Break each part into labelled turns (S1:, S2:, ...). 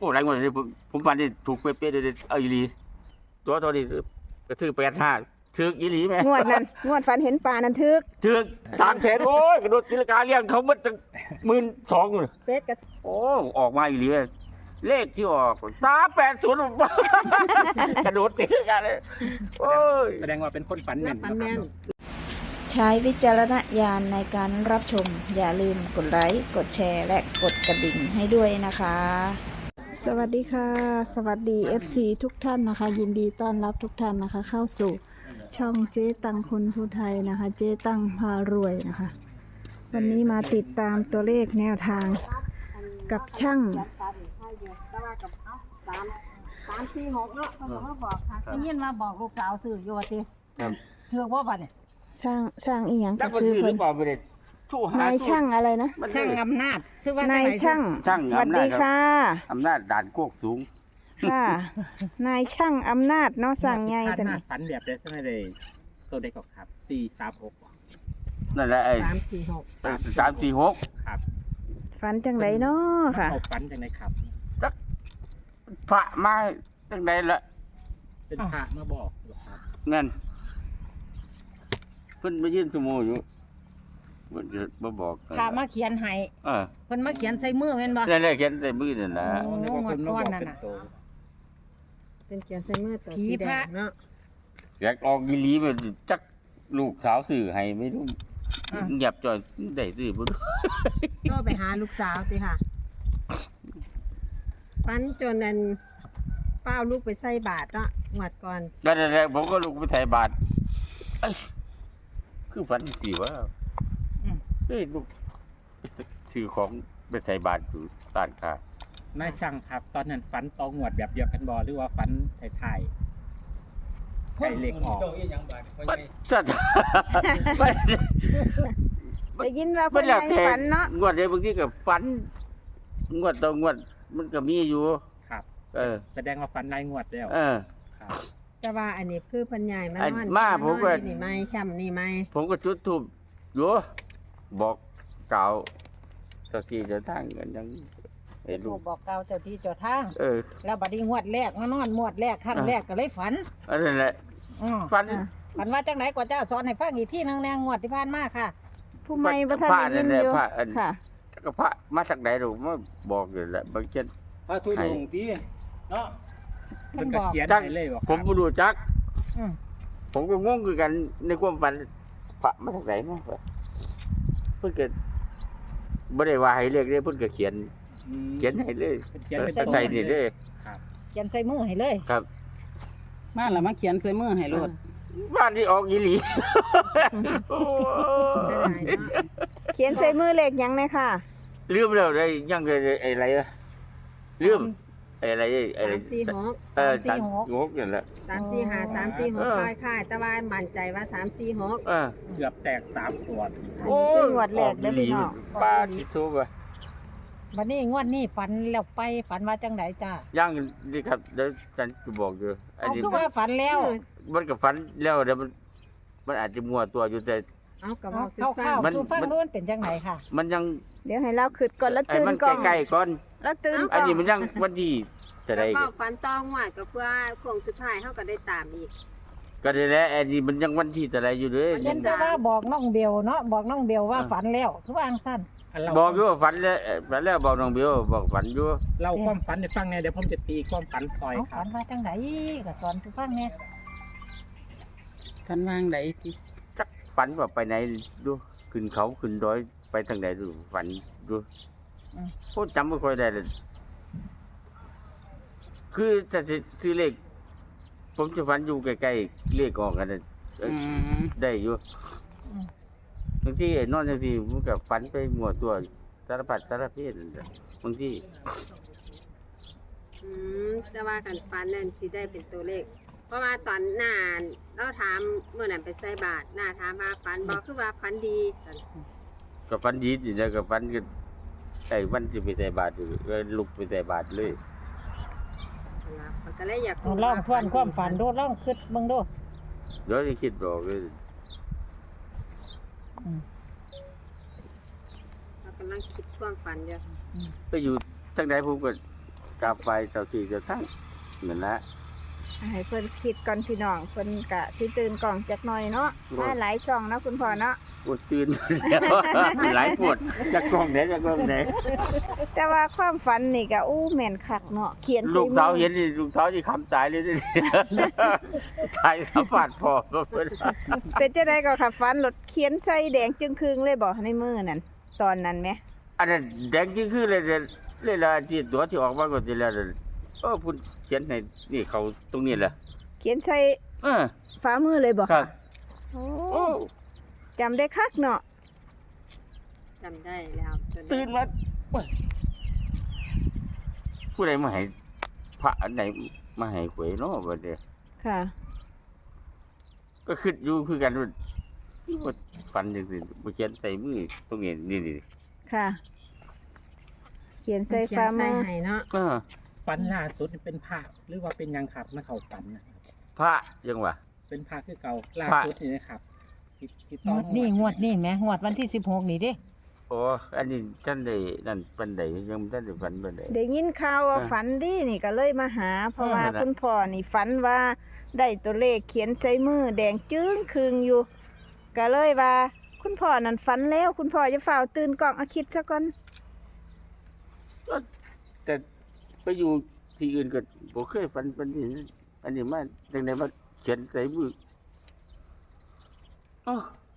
S1: อ้หลายงวดเลยผมฟันที่ถูกเป๊ะๆเลยเอาอีหลีตัวนี้ก็ซื้อ85ถึกอีหลีแม่
S2: งวดนั้นงวดฝันเห็นปลานั่นถึก
S1: ถึก300,000โอ้ยกระโดดตีลังกาเลี้ยงเขาหมดตั้ง12,000เลย
S2: เป็ดกับ
S1: โอ้ออกมาอีหลีเลขที่ออก380กระโดดตีลังกาเลยโอ้ย
S3: แสดงว่าเป็นคนฝันแม่น
S2: ฝันแม่น
S4: ใช้วิจารณญาณในการรับชม อย่าลืมกดไลค์ กดแชร์ และกดกระดิ่งให้ด้วยนะคะ
S2: สวัสดีค่ะ สวัสดี FC ทุกท่านนะคะ ยินดีต้อนรับทุกท่านนะคะ เข้าสู่ช่องเจ๊ตังคนผู้ไทยนะคะ เจ๊ตังพารวยนะคะ วันนี้มาติดตามตัวเลขแนวทางกับช่าง
S5: 3-4-6เนาะเขาบอกค่ะได้ยินมาบอกลูกสาวซื้ออยู่ว่าติ
S1: ครับ
S5: เถือกบ่บัดนี่
S2: ช่างอีหยัง
S1: จั
S2: ก็
S1: กมัน
S2: ซื้อ
S1: ซื้อห
S2: เพิ่
S1: รื
S2: น
S1: อเปล่าไม่ได้ทู่หาน
S2: ายช่างอะไรนะ
S1: มัน
S5: ช่างอำนาจซื้อว่าจัง
S2: นาย
S5: ไหน
S2: ช่าง
S1: ช่าง
S2: สวัส
S1: อำนา
S2: ดี
S1: จครับ
S2: ค่ะ
S1: อำนาจด่านโคกสูง
S2: ค่ะ นายช่างอำนาจเนาะสั่งไง
S3: แต่
S2: แต่
S3: หน้า
S2: นี่
S3: ฝันแบบได้ใช่ไหมเลยตัวเด็กก็ครับ436
S1: นั่นแหละไอ้
S5: 3-4-6
S1: 346
S3: ครับ
S2: ฝันจังไรเนาะค่ะ
S3: เขาฝันจังไดครับ
S1: พระมาตั้งใดละ
S3: เป็นพระมาบอกเหรอครับ
S1: นั่นเพิ่นมายื่นสมูอยู่เพิ่นจะมาบอก
S5: พามาเขียนให้
S1: เออ
S5: เพิ่นมาเขียนใส่มือแม่นบ่
S1: นั่นแหละเขียนใส่มือนั่นล่ะ
S5: โอ้
S3: นึกว่าคนมาบอกเป็นโต
S2: เป็นเขียนใส่มือตัว
S5: ผี
S2: สีแด
S5: พระ
S2: งเนาะ
S1: อยากออกอีหลีมันจักลูกสาวซื้อให้ไม่รู้เงียบจ่อยได้ซื้อบ่รู้
S6: ก็ไปหาลูกสาวติค่ะปันจนนั้นเป้าลูกไปใส่บาทเนาะงวดก่อน
S1: นั่นแหละผมก็ลูกไปไถ่บาทเอ้ยคือฝันสิว่าเฮ้ยลูกไปซื้อของไปใส่บาทอยู่ร้านค้าน
S3: ายช่างครับ ตอนนั้นฝันตองวดแบบเดียวกันบ่หรือว่าฝันถ่ายๆใส่เลขออก
S1: มันสัตว์มัน
S2: ได้ยินว่า
S1: มั
S2: เพิ่
S1: น
S2: น
S1: แล้ว
S2: ให้
S1: แต่
S2: ฝันเนาะ
S1: งวดเดียวบางทีก็ฝันงวดต่องวดมันก็มีอยู่
S3: ครับ
S1: เออ
S3: แสดงว่าฝันรายงวดแล้ว
S1: เออ
S3: ครับ
S6: แต่ว่าอันนี้คือเพันใหญ่มาน
S1: อั
S6: อน
S1: นมาผมก็
S6: นอนอยู่นี่ไหมช่ำนี่ไหม
S1: ผมก็จุดธูปอยู่บอกกล่าวเจ้าที่เจ้าทางกันยังไอ้ลู
S5: ลู
S1: ก
S5: กบอกกล่าวเจ้าที่เจ้าทาง
S1: เออ
S5: แล้วบัดนี้งวดแรกมานอนงวดแรกครั้งแรกก็เลยฝัน
S1: อันนั้นแหละ
S5: อ้อ
S1: ฝัน
S5: ฝันว่าจังไหนกว่าจะสอนให้ฟังอีกทีนึงแนงงวดที่ผ่านมาค่ะ
S2: ผู้ไม่บ่ทันได้ยินอยู่
S1: พระอัน
S2: ค่ะ
S1: ก็พระมาจากไหนลูกมาบอกอยู่แหละบางเช่น
S3: พระทุดงที่เนาะ
S5: เพิ่
S3: มัน
S5: น
S3: ก็
S5: บอก
S3: เขียน
S1: จัก
S3: ให้เลยบอก
S1: ผมบ่รู้จัก
S5: อืม
S1: ผมก็งงคือกันในความฝันพระมาจากไหนมาเพิ่นก็บ่ได้ว่าให้เรียกเด้เพิ่นก็เขียนให้เลย
S3: เขียนเป็น
S1: ใส่นี่เลย
S5: เขียนใส่มือให้เลย
S1: ครับ
S7: บ้านเรามาเขียนใส่มือให้โลด
S1: บ้านที่ออกอีหลี
S6: เสียดายเนาะ
S2: เขียนใส่มือเลขหยังเลยค่ะ
S1: ลืมแล้วได้ยังอะไรอะลืมอะไรอะไร
S6: 3-4-6
S1: 346นั่นแหละ
S6: 3-4-5 3-4-6ค่ายๆแต่ว่ามั่นใจว่า3-4-6
S1: เออ
S3: เกือบแตก3ตัว
S1: โอ้
S2: เป็นงวดแรกเด้อพี่น้อง
S1: ป้าคิดถูกป่ะ
S5: วันนี้งวดนี้ฝันแล้วไปฝันว่าจังไหนจ้า
S1: ยังนี่ครับเดี๋ยวฉันจะบอกอยู่อัน
S5: เอา
S1: นี้
S5: คือว่าฝันแล้ว
S1: มันก็ฝันแล้วเดี๋ยวมันอาจจะมัวตัวอยู่แต่
S6: เอากระบ
S5: เอา
S6: อกสุ
S5: ข้าว
S6: ฟัง
S5: ข้าวสู้ฟังนู้นเป็นจังไหนค่ะ
S1: มันยัง
S2: เดี๋ยวให้เราขึ้นก่อนแล้ว
S1: ไอ้
S2: ตื่น
S1: มัน
S2: ก่อน
S1: ใกล้ๆก่อน
S2: แล้วตื่น
S1: อัน
S2: ก่อน
S1: นี้มันยังวันที่จะได้
S6: กระบอกฟันตองหวดก็เพื่อโค้งสุดท้ายเขาก็ได้ตามอีก
S1: ก็ได้แล้วอันนี้มันยังวันที่จะได้อยู่เลย
S5: เย็นแต่ว่าบอกน้องเบลเนาะบอกน้องเบลว่าฝันแล้วคือว่าอังสั้น
S1: บอกอยู่ว่าฝันแล้วฝันแล้วบอกน้องเบลบอกฝันอยู่
S3: เล่าความฝันให้ฟังเนี่ยเดี๋ยวผมจะตีความฝันซอย
S5: เอา
S3: ครั
S5: ฝั
S3: บ
S5: นว่าจังไหนก็สอนสู้ฟังเนี่ย
S7: กันวางไดที่
S1: จักฝันว่าไปไหนดูขึ้นเขาขึ้นดอยไปทางไหนดูฝันดูโคตรจำไม่ค่อยได้เลยคือแต่ที่เลขผมจะฝันอยู่ใกล้ๆเลขออกกันน่ะ ได้อยู่บางทีไอ้นอนบางทีมันก็ฝันไปหมวตัวสารพัดสารเพศนั่นแหละบางที
S6: แต่ว่ากันฟันนั่นสิได้เป็นตัวเลข เพราะว่าตอนหน้าเราถามเมื่อนั้นไปใส่บาทหน้าถามว่าฟันบอกคือว่าฟันดีซั่น
S1: ก็ฝันดีอยู่นะก็ฝันกันไอ้วันที่ไปใส่บาตรอยู่ก็ลุกไปใส่บาตรเลย
S6: นั่นล่ะมันก็เลยอยาก
S5: เอาลองทวนความฝันดูลองคิดเบิ่งดู
S1: เดี๋ยวจะคิดบอกเลย
S6: เรากำลังคิดท่วงฟันอยู่
S1: ไปอยู่ทางไหนผมก็กราบไหว้เจ้าที่เจ้าทางนั่นละ
S2: ให้เพิ่นคิดก่อนพี่น้องเพิ่นกะสิตื่นกล่องจักหน่อยเนาะมาหลายช่องเนาะคุณพ่อเนาะ
S1: ปวดตื่นแล้วหลายปวดจักกล้องไหนจักกล้องไหน
S2: แต่ว่าความฝันนี่ก็อู้แม่นคักเนาะเขียน
S1: ลูกสาว
S2: มือ
S1: เห็นนี่ลูกสาวสิคำตายเลยนี่ ตายสัมผัสพอเพิ่น
S2: เป็นจังได๋ก็ค่ะฝันรถเขียนใส่แดงจึงครึงเลยบ่ในมือนั่นตอนนั้นแหม
S1: อันนั้นแดงจริงคือเลยละที่ตัวที่ออกมาก็สิแล้วพุ่นเขียนให้นี่เขาตรงนี้แหละ
S2: เขียนใส่
S1: เออ
S2: ฝ่ามือเลยบ่
S1: ครั
S2: ค่ะ
S1: บ
S2: โอ้
S1: โอ้
S2: จำได้คักเนาะ
S6: จำได้แล้วจน
S1: ตื่นมาโอ้ยผู้ใดมาให้พระอันไหนมาให้หวยเนาะบัดนี้
S2: ค่ะ
S1: ก็คิดอยู่คือกันว่าฝันจังซี่บ่เขียนใส่มือตรงนี้นี่
S2: ค่ะ เขียนใส่
S5: เขีย
S2: ฝ่าน มื
S5: ใส่
S2: อ
S5: ให้เนาะ
S1: เออ
S3: ฝันล่าสุดเป็นพระหรือว่าเป็นหยังครับมาเข้าฝันนะครับ
S1: พระยังว่า
S3: เป็นพระคือเก่าล่า
S1: พระ
S3: สุดนี่นะครับที่
S5: ง
S3: ต้อง
S5: วดนี้แหมงวดวันที่16นี่เด้
S1: โอ้อันนี้ท่านได้นั่นปานใดยังบ่ทันได้ฝันปานใด
S2: ได้ยินข่าวว่า
S1: อ่า
S2: ฝันดีนี่ก็เลยมาหา เพราะว่า
S1: นั่นแหละ
S2: คุณพ่อนี่ฝันว่าได้ตัวเลขเขียนใส่มือแดงจึ้งครึงอยู่ ก็เลยว่า คุณพ่อนั่นฝันแล้วคุณพ่อจะฝ่าวตื่นกล่องเอาคิดซะก่อน
S1: แต่ไปอยู่ที่อื่นก็บ่เคยฝันปานนี้อันนี้มาจังได๋มาเขียนใส่มืออ้อ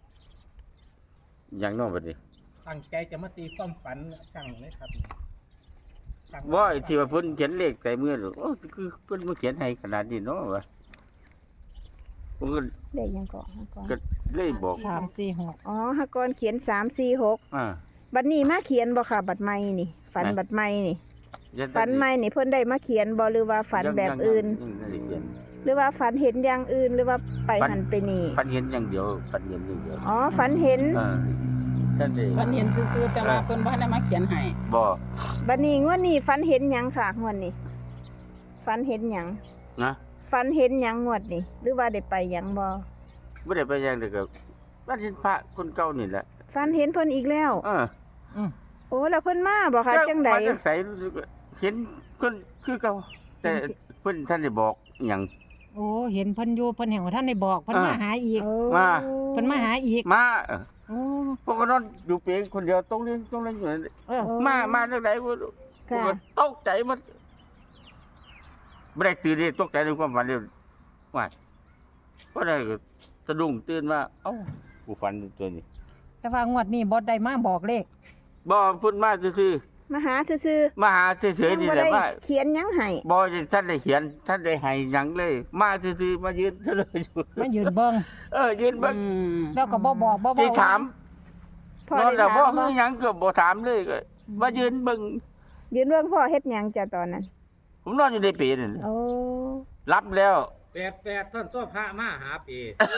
S1: อย่างน้อบัดนี้
S3: ตั้งใจจะมาตีความฝันสั่งเลยครับสั่ง
S1: ว่าไอ้ที่ว่าเพิ่นเขียนเลขใส่มือโอ้คือเพิ่นมาเขียนให้ขนาดนี้เนาะวะผมก็
S2: เลขยังก่อนฮะก่อน
S1: ก็เลยบอก
S5: 346
S2: อ๋อฮะก่อนเขียน346
S1: อ่า
S2: บัดนี้มาเขียนบ่ค่ะบัดใหม่นี่ ฝัน
S1: ไหน
S2: บัดใหม่นี่
S1: ยั
S2: ฝันใหม่นี่เพิ่นได้มาเขียนบ่หรือว่าฝันแบบอื่น
S1: ยังไม่ได้เขียน
S2: หรือว่าฝันเห็นอย่างอื่นหรือว่าไป
S1: ฝัน
S2: หันไปนี่
S1: ฝันเห็นอย่างเดียวฝันเห็นอย่างเดียว
S2: อ๋อฝันเห็น
S1: อ่าท่านได้
S7: เพิ่นเห็นซื่อๆแต่ว่าเพิ่นบ่ได้มาเขียนให้
S1: บ่
S2: บัดนี้งวดนี้ฝันเห็นหยังค่ะงวดนี้ฝันเห็นหยัง
S1: นะ
S2: ฝันเห็นหยังงวดนี้หรือว่าได้ไปหยังบ่
S1: บ่ได้ไปอย่างเดียวก็ฝันเห็นพระคนเก่านี่แหละ
S2: ฝันเห็นเพิ่นอีกแล้ว
S1: เออ
S2: โอ้แล้วเพิ่นมาบ่คะจังใด
S1: มาจากไสรู้สึกว่าเห็นคนคือเก่าแต่เพิ่นท่านได้บอกหยัง
S5: โอ้เห็นเพิ่นอยู่เพิ่นแห่งว่าท่านได้บอกเพิ่นมาหาอีก
S2: โอ้
S1: มา
S5: เพิ่นมาหาอีก
S1: มา
S5: โอ้
S1: พวกก็นอนอยู่เปียงคนเดียวตรงนี้อยู่นั่น
S5: เออ
S1: มาจากไหนบ่รู้
S2: ค่ะ
S1: ก็ตกใจมันไม่ได้ตื่นเลยตกใจในความฝันเลยว่าก็ได้ก็สะดุ้งตื่นมาเอ้ากูฝันตัวนี้
S5: แต่ว่างวดนี้บ่ได้มาบอกเลข
S1: บ่พุ่นมาซื่อ
S2: มาหาซื่อ
S1: ๆมาหาเฉ
S2: ๆ
S1: ย
S2: ยัง
S1: ๆนี่
S2: บ่
S1: แหละ
S2: ได้
S1: ว่า
S2: เขียนหยังให้
S1: บ่ท่านได้เขียนท่านได้ให้หยังเลย มาซื่อๆมายืนเฉลยอยู่
S5: มายืนเบิ่ง
S1: ยืนเบิ่ง
S5: แล้วก็บ่บอกบ่
S1: สิถาม
S2: พ่อน
S1: อน
S2: ได้
S1: แล้วบ่
S2: ถาม
S1: ฮื
S2: บ่
S1: อหยังก็บ่ถามเลยก็มายืนเบิ่ง
S2: ยืนเบิ่งพ่อเฮ็ดหยังจ้ะตอนนั้น
S1: ผมนอนอยู่ในเปรนั่น
S2: โอ้
S1: รับแล้ว
S3: แปดท่านตัวพระมาหาปี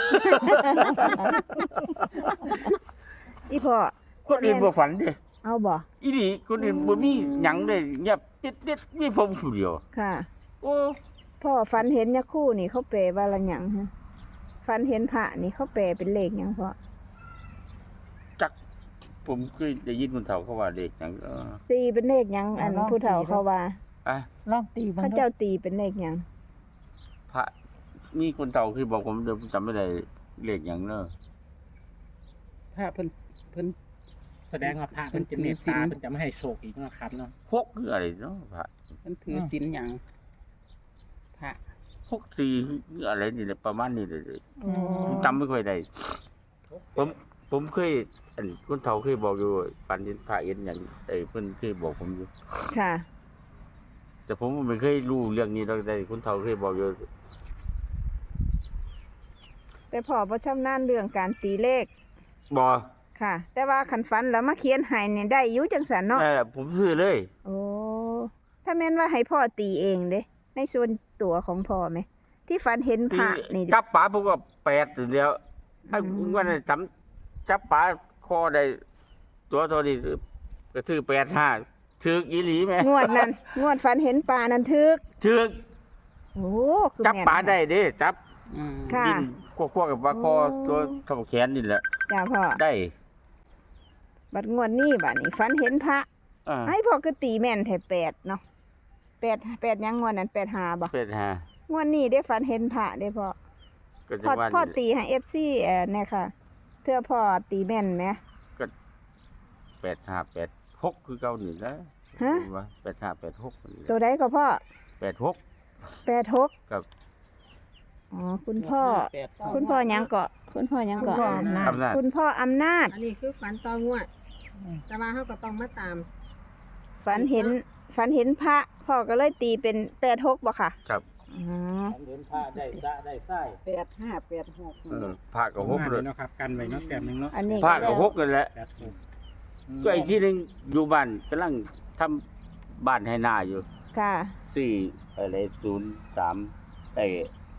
S2: อีพ่อ
S1: คนอื่นบ่ฝันเด้
S2: เอาบ่
S1: อีนี่คนอื่นบ่มีหยังเลยเงียบติดๆมีผมผู้เดียว
S2: ค่ะ
S1: โอ้
S2: พ่อฝันเห็นยาคู่นี่เขาแปลว่าละหยังฮะฝันเห็นพระนี่เขาแปลเป็นเลขหยังพ่อ
S1: จักผมเคยได้ยินคนเฒ่าเขาว่าเด็กหยัง
S2: ตีเป็นเลขหยังอันผู้เฒ่าเขาว่า
S5: ลองตีเบิ่ง
S2: พระ
S5: ดู
S2: เจ้าตีเป็นเลขหยัง
S1: พระมีคนเฒ่าคือบอกผมเดี๋ยวผมจำไม่ได้เลขหยังเนาะ
S7: พระเพิ่น
S3: แสดงว่าพระมันจะเมตตามันจะไม่ให้โชคอีกนะครับเนาะ
S1: หกคืออะไรเนาะพระ
S7: เพิ่นถือศีลหยังพระ
S1: 64คืออะไรนี่แหละประมาณนี้เลย
S2: โอ้
S1: ผมจำไม่ค่อยได้ผมเคยอันคนเฒ่าเคยบอกอยู่ฝันเห็นพระเห็นหยังเพิ่นเคยบอกผมอยู่
S2: ค่ะ
S1: แต่ผมไม่เคยรู้เรื่องนี้ดอกแต่คนเฒ่าเคยบอกอยู่
S2: แต่พ่อบ่ชำนาญเรื่องการตีเลข
S1: บ่
S2: ค่ะ แต่ว่าคันฝันแล้วมาเขียนให้นี่ได้อยู่จังซั่นเนาะ
S1: ผมซื้อเลย
S2: โอ้ถ้าแม่นว่าให้พ่อตีเองเด้ในส่วนตัวของพ่อไหมที่ฝันเห็นพระนี่เด้
S1: จับปลาผมก็8อยู่แล้วไอ้วันนั้นจับปลาคอได้ตัวนี้ก็ซื้อ85ถึกอีหลีแม่
S2: งวดนั้นงวดฝันเห็นปลานั้นทึก
S1: ถึก
S2: โอ้คือ
S1: จับ
S2: แม่น
S1: ปลาได้เด้จับ
S7: อืม
S2: ค่ะ
S1: กินคั่วๆกับปลาคอ
S2: โอ้
S1: ตัวเท่าแขนนี่แหละ
S2: จ้าพ่อ
S1: ได้
S2: บัดงวดนี้บัดนี้ฝันเห็นพระ
S1: อ่า
S2: ให้พ่อก็ตีแม่นแท้8เนาะ 8ยังงวดนั้น85บ่
S1: เป็นฮะ
S2: งวดนี้ได้ฝันเห็นพระได้พ่อ
S1: ก็จะ
S2: พ่อ
S1: ว่า
S2: พ่อตีให้ FC เนี่ยค่ะเทื่อพ่อตีแม่นไหม
S1: 8586คือเก่านี่นะ
S2: ฮะ
S1: ว่า8586นี่
S2: ตัวใดก็พ่อ
S1: 86
S2: 86
S1: ครับ
S2: อ๋อคุณพ่อคุณพ่อหยังเกาะคุณพ่อหยังเกาะ
S1: อำนาจ
S2: คุณพ่ออำนาจ
S6: อันนี้คือฝันต่องวด แต่ว่าเขาก็ต้องมาตาม
S2: ฝันเห็นพระพ่อก็เลยตีเป็น86บ่ค่ะ
S1: ครับ
S2: อ๋อ
S3: ฝันเห็นพระได้สะได้ไส้
S1: พระก็6
S3: เล
S1: เลย ย
S3: เนาะครับกันไว้เนาะแต้มหนึงเนาะ
S2: อันนี้
S1: พระก็6นั่นแหละ
S3: 86
S1: ก็ไอ้ที่นึงอยู่บ้านกำลังทำบ้านให้หน้าอยู่
S2: ค่ะ
S1: 4อะไร03ไอ้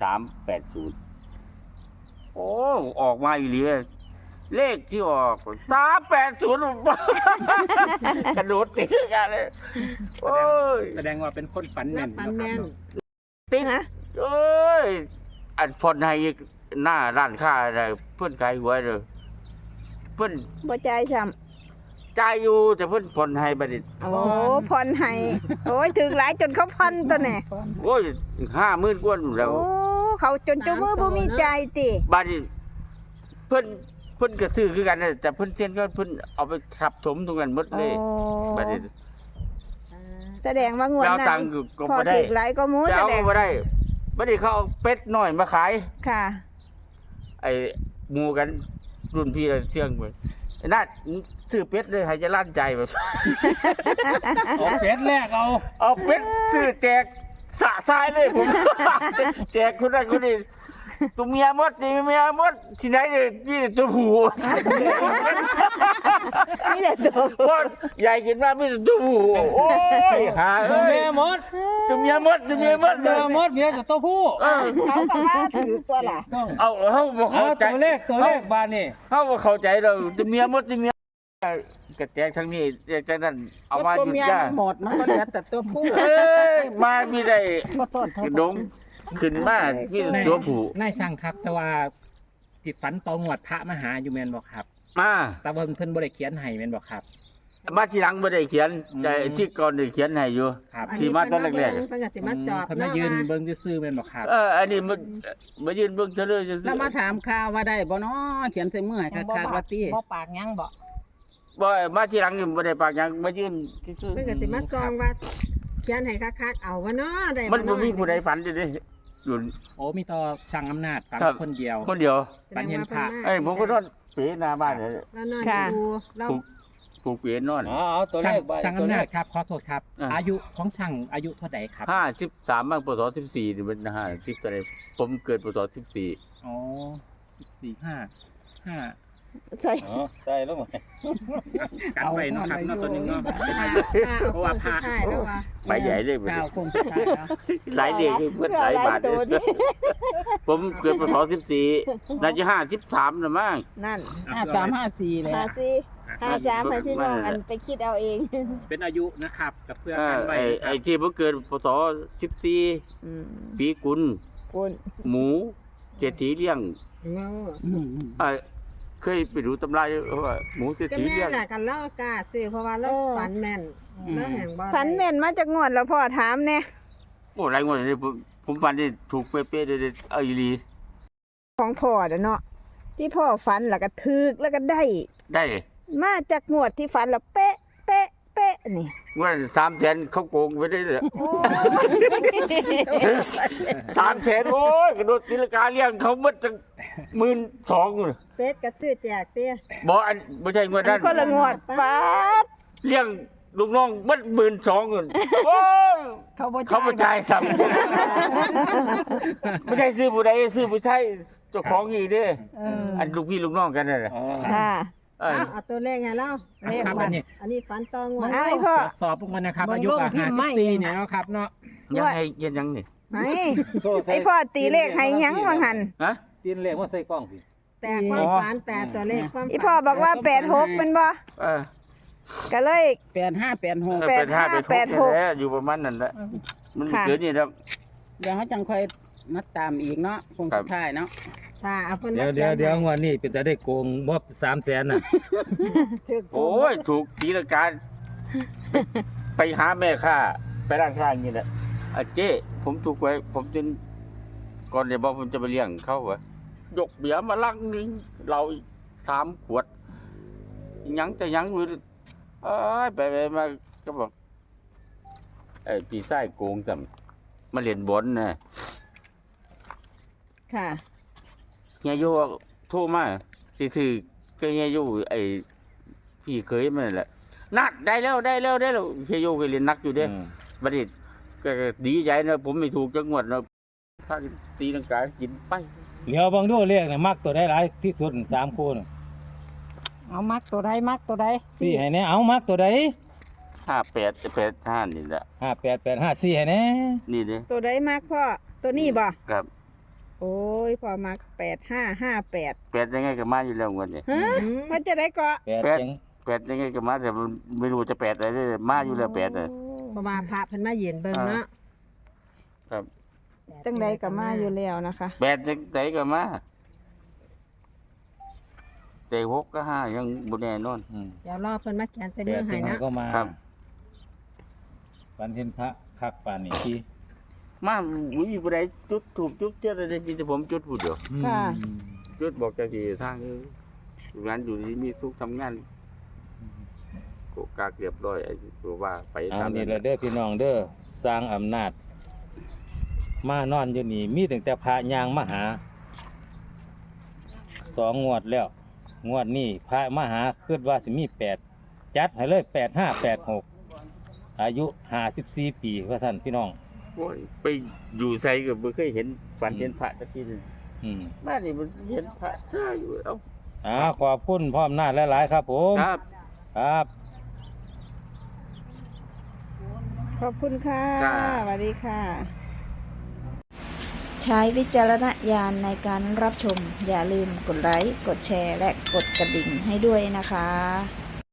S1: 380โอ้ออกมาอีหลีเลขที่ออก380 กระโดดติดกันเลยโอ้ย
S3: แสดงว่าเป็นคนฝันแม่น
S6: ฝันแม่น
S1: ติด
S2: ฮะ
S1: โอ้ยอันพอนให้หน้าร้านค้าอะไรเพิ่นขายหวยเด้อเพิ่น
S2: บ่จ่ายซ้
S1: จ่ายอยู่แต่เพิ่นผ่อนให้บัดนี้
S2: ำโอ้ผ่อนให้โอ้ยถึงหลายจนเขาพันตัวแน่
S1: โอ้ย50,000กว่านู่นแล้ว
S2: โอ้เขาจนเจ้ามือบ่มีใจายติ
S1: บัดนี้เพิ่นก็ซื้อคือกันนะแต่เพิ่นเซ็นก็เพิ่นเอาไปทับถมตรงนั้นหมด
S2: โอ้
S1: เลยบัดนี้
S2: แสดงว่างวด
S1: แล้ว
S2: นั้
S1: ตั
S2: น
S1: งค์ก็
S2: พอ
S1: บ่ได้
S2: ถึงหลายก็หมู
S1: จะ
S2: แส
S1: เอา
S2: ด
S1: ก็
S2: ง
S1: บ่ได้บัดนี้เขาเอาเป็ดน้อยมาขาย
S2: ค่ะ
S1: ไอ้หมู่กันรุ่นพี่เสี่ยงไปไอ้นัดมึงซื้อเป็ดเลยให้จะลั่นใจแบบ
S3: เอาเป็ดแรกเอา
S1: เอาเป็ดซื้อแจกสะทรายเลยผม แจกคนนั้นคนนี้ตัวเมียหมดนี่เมียหมดที่ไหนเนี่ยมีแต่ตัวผู้
S2: มีแต่ตัว
S1: เพราะใหญ่กินมากมีแต่ตัวผู้โอ้ยหา
S3: ตัว
S1: เอ้ย
S3: แม่มด
S1: ตัวเมียหมดตัวเมียหมด
S3: ตัวมดเมียกับตัวผู้
S1: เออ
S2: เขาก็ว่าถือตัวล่ะ
S3: ต้อง
S1: เอาเขาบ่
S3: เอา
S1: เข้าใจ
S3: ตัวเลขบานนี่
S1: เขาบ่เข้าใจเราตัวเมียหมดตัวเมียกระแจกทั้งนี้แจกทั้งนั้นเอามา
S7: ตัว
S1: หยุด
S7: เมีย
S1: ยา
S7: หมดมันก็เหลือแต่ตัวผู้
S1: เอ้ยมามีได้กระดงขึ้นมามีแต่ตัวผู้
S3: นายช่างครับ แต่ว่าติดฝันตองวดพระมาหาอยู่แม่นบ่ครับ
S1: มา
S3: แต่ว่าเพิ่นบ่ได้เขียนให้แม่นบ่ครับ
S1: มาทีหลังบ่ได้เขียนแต่ที่ก่อนได้เขียนให้อยู่
S3: ครับ
S1: ที่มาตอนแรก
S6: เพิ่นก็สิมาจอบ
S3: เพิ่นมายืนเบิ่งซื่อๆแม่นบ่ครับ
S1: อันนี้มันมายืนเบิ่งเฉลย
S7: แล้วมาถามข่าวว่าได้บ่เนาะเขียนใส่มือให้คักๆว่าติ
S5: บ่ปากยังบ่
S1: บ่มาทีหลังนี่บ่ได้ปากหยังมายืนซื่อ
S6: เพิ่นก็สิมาซองว่าเขียนให้คักๆเอาว่าเนาะได้
S1: มันบ่มีผู้ใดฝันอยู่เด้อยู่
S3: โอ้มีต่อช่างอำนาจฝัน
S1: ครับ
S3: คนเดียว
S1: คนเดียว
S3: ฝันเห็นพระ
S1: เอ้ยผมก็นอนเป๋หน้าบ้านเลย
S6: แล้วนอน
S2: ค่ะ
S6: ดูเรา
S1: ผูกเป๋นอน
S8: เอาตัวเลขใบ
S3: ช่างอำนาจครับขอโทษครับ
S1: อ่า
S3: อายุของช่างอายุเท่าใดครับ
S1: 53บ้างปศ14นี่มัน50ตัวใดผมเกิดปศ14
S3: อ๋อ14 5
S2: ใส่
S8: อ๋อใส่แล้วไหม
S3: กันไว้เนาะครับเนาะตัวหนึงเนาะ
S6: เพราะว่าพาแล้วว่า
S1: ใบใหญ่เลยบัด
S7: ข่าว
S1: นี้
S7: คงสุดท้ายแล้ว
S1: หลายเด็กเพิ่นหลายบาทเลยผมเกิดปศ14น่าจะ53น่ะมั้ง
S2: นั่น
S7: 5354เลย
S2: 53ให้พี่น้องอันไปคิดเอาเอง
S3: เป็นอายุนะครับกับเพื่อ
S1: เอ
S3: กั
S1: อน
S3: ไว้
S1: ไอ้ที่ผมเกิดปศ
S2: อืม
S1: 14ปีกุล
S2: คุณ
S1: หมูเศรษฐีเลี้ยง
S6: เงา
S1: เคยไปดูตำราอยู่ว่าหมูเศรษ
S6: ก็
S1: ฐี
S6: แม่
S1: เลี้ยง
S6: แหละกันเล่ากล้าซื้อเพราะว่าเราฝันแม่นเราแห่งบ่ได้
S2: ฝันแม่นมาจากงวดแล้วพ่อถามแน่
S1: โอ้หลายงวดเลยผมฝันได้ถูกเป๊ะๆเลยเอาอีหลี
S2: ของพ่อเด้อเนาะที่พ่อฝันแล้วก็ถึกแล้วก็ได้
S1: ได้
S2: มาจากงวดที่ฝันแล้วเป๊ะเป๊ะเป๊ะนี่
S1: งวด300,000เขาโกงไปได้เลย
S2: โอ้
S1: 300,000โอ้ยกระโดดตีลังกาเลี้ยงเขาหมดตั้ง12,000เลย
S6: เป็ดก็ซื้อแจกเตี้ย
S1: บ่อันบ่ใช่งวดนั้น
S2: คนละงวดป๊าด
S1: เลี้ยงลูกน้องหมด12,000โอ้ย
S5: เขาบ่
S1: เขาบ่จ่ายซ้ำไม่ได้ซื้อผู้ใดซื้อผู้ใช้เจ้าของอีกเด้อันลูกพี่ลูกน้องกันนั่นแหละ
S2: ค่ะ
S6: เอาตัวเลขให้เรา
S3: ครับอันนี้
S6: อันนี้ฝันตองวด
S2: อ้ายพ่อ
S3: ตรวจสอบพวกมันนะครับ อายุกับ54เนี่ยเนาะครับเนาะ
S1: ยังไงเย็นยังนี่
S2: ไหน
S8: โซ่ใส่
S2: ไอพ่อตีเลขให้หยังว่าหั่น
S1: ฮะ
S8: ตีนเลขว่าใส่กล้องสิ
S6: แต่ความฝันแต่ตัวเลขความฝัน
S2: อีพ่อบอกว่า86เป็นบ่
S1: เออ
S2: ก็เลย
S7: 8586
S2: 85
S1: แท้อยู่ประมาณนั้นแหละมัน
S2: ค่ะ
S1: เกิดนี่ครับ
S7: เดี๋ยวเขาจังค่อยมาตามอีกเนาะคงสุดท้ายเนาะ
S6: ถ้าเอาเพิ่น
S8: เดี๋
S6: มา
S8: ยว
S6: เขี
S8: เดี๋
S6: ย
S8: ยวน งวดนี้เป็นจะได้โกงบ่300,000น่ะ
S1: โอ้ยถูกตีละการไปหาแม่ค้าไปร้านค้าอย่างนี้แหละเจ๊ผมถูกไว้ผมจนก่อนเดี๋ยวบอกผมจะไปเลี้ยงเขาวะยกเบียร์มาลังนึงเราอีก3 ขวดยังแต่ยังอยู่ไปมาก็บอกพี่ไส้โกงจำมาเล่นบอลนะ
S2: ค่ะ
S1: เฮียโยโทรมาซื่อๆก็เฮียโยพี่เคยมันนั่นแหละนัดได้แล้วเฮียโยเคยเล่นนักอยู่เด้ บัดนี้ก็ดีใจนะผมไม่ถูกจังหวัดนะถ้าตีลังกากินไป
S8: เหลียวเบิ่งดูเลขน่ะมักตัวใดหลายที่สุด3คู่น่ะ
S5: เอามักตัวใดมักตัวใด
S8: สี่ให้แน่เอามักตัวใด
S1: 58จะ85นี่แหละ
S8: 5885 4ให้แน่
S1: นี่เด้
S2: ตัวใดมากพ่อตัวนี้บ่
S1: ครับ
S2: โอ้ยพ่อมัก8558
S1: 8ยังไงก็มาอยู่แล้วงวดนี้
S2: ฮะมันจะได้เกาะ
S8: 8จัง
S1: 8ยังไงก็มาแต่มันไม่รู้จะ8อะไรเด้อมาอยู่แล้ว8น่ะ
S5: เพราะว่าพระเพิ่นมายืนเบิ่งเนาะ
S1: ครับ
S2: จังใดก็มาอยู่แล้วนะคะ
S1: 8จังไดก็มาแต่6ก็5ยังบ่แน่นอน
S5: เดี๋ยวรอเพิ่นมาเขียนใส่
S8: แป
S5: มือ
S8: ด
S5: ให้
S8: จังไง
S5: เนาะ
S8: ก็มา
S1: ครับ
S8: ฝันเห็นพระคักปานนี้ที่
S1: มาอุ้ยบ่ได้จุดถูกจุดเจอได้มีแต่ผมจุดผู้เดียว
S2: ค่ะ
S1: จุดบอกเจ้าที่ทางงานอยู่ที่มีสุขทำงานโกกากเรียบร้อยไอ้ตัวว่าไป
S8: เอา
S1: ตาม
S8: นี่
S1: นั้น
S8: แหละเด้อพี่น้องเด้อสร้างอำนาจ มานอนอยู่นี่มีตั้งแต่พระยางมาหา2 งวดแล้ว งวดนี้พระมาหาคิดว่าสิมี8จัดให้เลย8586อายุ54ปีว่าซั่นพี่น้อง
S1: โอ้ยไปอยู่ไสก็บ่เคยเห็นฝันเห็นพระตะกี้นี่
S8: อืม
S1: บ้านนี่มันเห็นพระซ่าอยู่เอ้า
S8: ขอบคุณพ่ออำนาจหลายๆครับผม
S1: ครับ
S8: ครับ
S2: ขอบคุณค่ะ
S1: จ้า
S2: สวัสดีค่ะ
S4: ใช้วิจารณญาณในการรับชม อย่าลืมกดไลค์ กดแชร์ และกดกระดิ่งให้ด้วยนะคะ